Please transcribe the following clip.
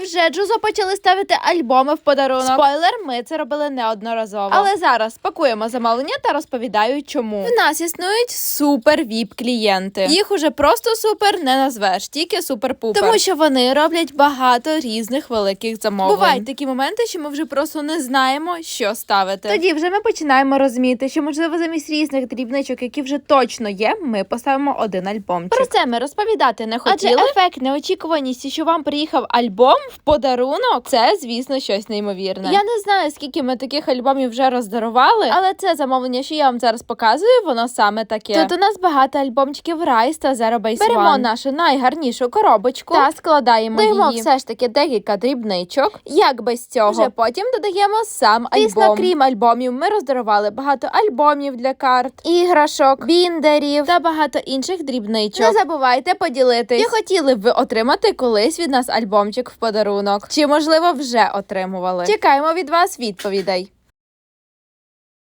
Невже Джузо почали ставити альбоми в подарунок? Спойлер, ми це робили неодноразово. Але зараз пакуємо замовлення та розповідаю, чому. В нас існують супер віп-клієнти. Їх уже просто супер не назвеш, тільки супер-пупер. Тому що вони роблять багато різних великих замовлень. Бувають такі моменти, що ми вже просто не знаємо, що ставити. Тоді вже ми починаємо розуміти, що, можливо, замість різних дрібничок, які вже точно є, ми поставимо один альбомчик. Про це ми розповідати не хотіли. Адже ефект неочікуваності, що вам приїхав альбом в подарунок, це, звісно, щось неймовірне. Я не знаю, скільки ми таких альбомів вже роздарували, але це замовлення, що я вам зараз показую, воно саме таке. Тут у нас багато альбомчиків Rise та Zero Base One. Беремо нашу найгарнішу коробочку та складаємо її. Даємо все ж таки декілька дрібничок. Як без цього? Вже потім додаємо сам альбом. Звісно, крім альбомів, ми роздарували багато альбомів для карт, іграшок, біндерів та багато інших дрібничок. Не забувайте поділитись. Чи хотіли б ви отримати колись від нас альбомчик в подарунок? Чи, можливо, вже отримували? Чекаємо від вас відповідей.